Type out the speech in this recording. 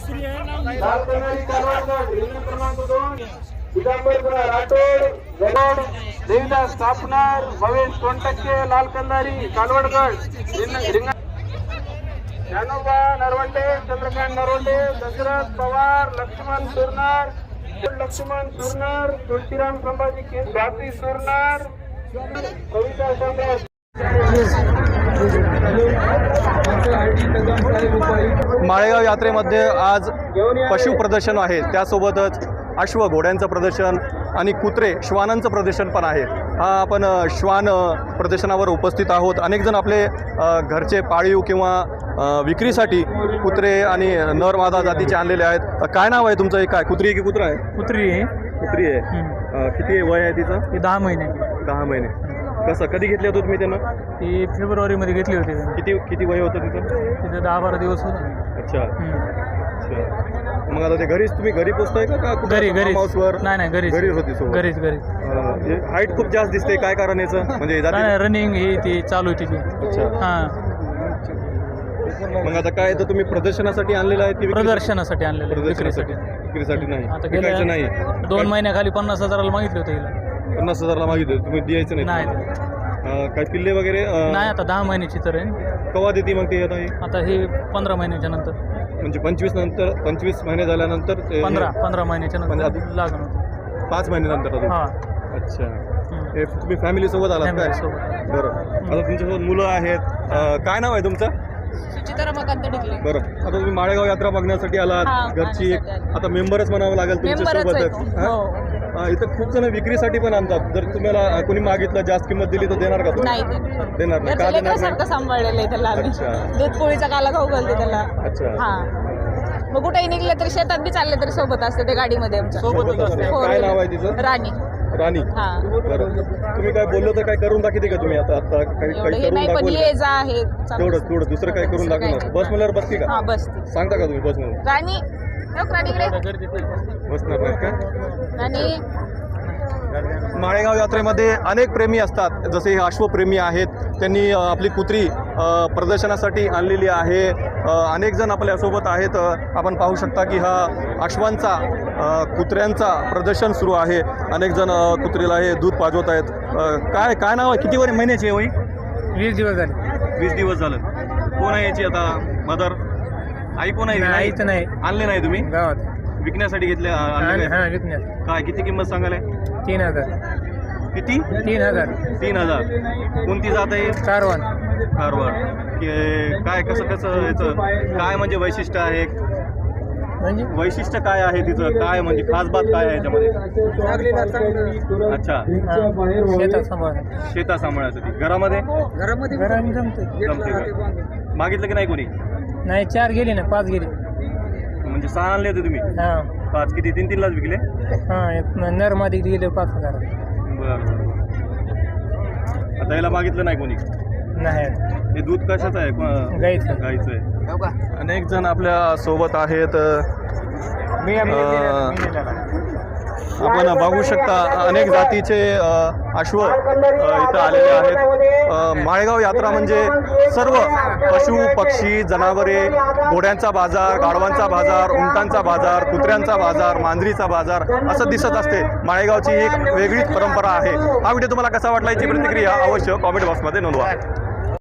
लाल कन्हारी कालवाडगड रिंगण क्रमांक 2 दिगंबर राठोड गडोड देवीदास स्थापनार भवेश सोनटक्के लाल कन्हारी कालवाडगड रिंगण ज्ञानोबा नरवंडे चंद्रकांत नरवंडे दशरथ पवार लक्ष्मण सुरनार तुळशीराम संभाजी केस स्वाती सुरनार कविता सम्राट माळेगाव यात्रेमध्ये आज पशु प्रदर्शन आहे, त्यासोबतच अश्व घोड्यांचं प्रदर्शन आणि कुत्रे श्वानांचं प्रदर्शन पण आहे। हा आपण श्वान प्रदर्शनावर उपस्थित आहोत। अनेक जण आपले घरचे पाळीव किंवा विक्रीसाठी कुत्रे आणि नर मादा जातीचे आणलेले आहेत। काय नाव आहे तुमचं? काय कुत्री की कुत्रा आहे? कुत्री आहे। कुत्री आहे। किती वय आहे तिचं? 10 महिने। 10 महिने। कसं कधी घेतले होते तुम्ही त्यांना? ती फेब्रुवारीमध्ये घेतली होती। किती वय होतं तिचं? तिचं 10-12 दिवस होतं। अच्छा अच्छा। मग आता ते तुम्ही घरी पोचताय का घरी हाऊसवर? नाही घरीच होती सोबत? घरीच हाईट खूप जास्त दिसते, काय कारण याचं? म्हणजे रनिंग ही ती चालू आहे तिची। अच्छा हां। मग आता काय तर तुम्ही प्रदर्शनासाठी आणलेलं आहे की प्रदर्शनासाठी आणलेलं? विक्रीसाठी नाही। आता गेल्या नाही 2 महिन्याखाली 50,000ला मागितले होते हिला। 50,000ला मागितले, तुम्ही द्यायचं नाही? काय पिल्ले वगैरे नाही, आता 10 महिन्याची तर आहे। कवा देते मग ते? आता हे 15 महिन्याच्या नंतर, म्हणजे 25 महिने झाल्यानंतर 15 महिन्याच्या नंतर लागण होतं। 5 महिन्यानंतर अजून? हां। अच्छा। हे तुम्ही फॅमिली सोबत आलात काय? बरं। आता तुमच्यासोबत मुलं आहेत, काय नाव आहे तुमचं? सुचिता रमाकांत ढिकले। बरं, आता तुम्ही माळेगाव यात्रा बघण्यासाठी आलात, घरची आता मेंबरच म्हणावं लागेल तुमच्यासोबतच। इथं खूप जण विक्रीसाठी पण आणतात, जर तुम्हाला कोणी मागितलं जास्त किंमत दिली तर देणार का? नाही देणार नाही का? देणार सारखं सांभाळलेलं आहे त्याला आम्ही। दूध पोळीचा काला खाऊ घालते त्याला। अच्छा। हां, मग कुठेही निघले तरी शेतात बी चालले तरी सोबत असते ते गाडीमध्ये आमच्या। सोबतच असते। काय नाव आहे तिचं? राणी। राणी। हां। बरं, तुम्ही काय बोललो तर काय करून दाखवते का तुम्ही? आता काही करून नाही, पण ये जा आहे तेवढं दुसरं काय करून दाखवणार? बस म्हणल्यावर बसते का? हां, बसते। सांगता का तुम्ही बस म्हणून? राणी बसणार नाहीत का? राणी। माळेगाव यात्रेमध्ये अनेक प्रेमी असतात, जसे हे अश्वप्रेमी आहेत, त्यांनी आपली कुत्री प्रदर्शनासाठी आणलेली आहे। अनेक जण आपल्यासोबत आहेत। आपण पाहू शकता की हा अश्वांचा कुत्र्यांचा प्रदर्शन सुरू आहे। अनेक जण कुत्रीला हे दूध पाजवत आहेत। काय नाव आहे? किती महिन्याची आहे वय? 20 दिवस झाले। 20 दिवस झालं। कोण आहे याची आता मदर? आई कोण आहे? आईच नाही। आणले नाही तुम्ही? गावात विकण्यासाठी घेतले? हां, विकण्यात। काय किती किंमत सांगायला? 3,000। किती? 3,000। 3,000। कोणती जात आहे? कारवार। काय कसं याचं काय म्हणजे वैशिष्ट्य आहे? म्हणजे वैशिष्ट्य काय आहे तिचं? काय म्हणजे खास बात काय आहे याच्यामध्ये? अच्छा। शेतात सांभाळण्यासाठी। घरामध्ये जमते का? मागितलं की नाही कोणी? नाही, 4 गेले ना, 5 गेले। म्हणजे 6 आणले होते तुम्ही? हां। 5 किती? 3-3लाच विकले? हां, नरमादी गेले 5,000। बरं। आता याला मागितलं नाही कोणी? नाही। हे दूध कशाचं आहे? गाईचं आहे। अनेक जण आपल्या सोबत आहेत। आपण बघू शकता अनेक जातीचे अश्व इथं आलेले आहेत। माळेगाव यात्रा म्हणजे सर्व पशु पक्षी जनावरे, घोड्यांचा बाजार, गाढवांचा बाजार, उंटांचा बाजार, कुत्र्यांचा बाजार, मांजरीचा बाजार असं दिसत असते। माळेगावची एक वेगळीच परंपरा आहे। हा व्हिडिओ तुम्हाला कसा वाटला याची प्रतिक्रिया अवश्य कॉमेंट बॉक्समध्ये नोंदवा।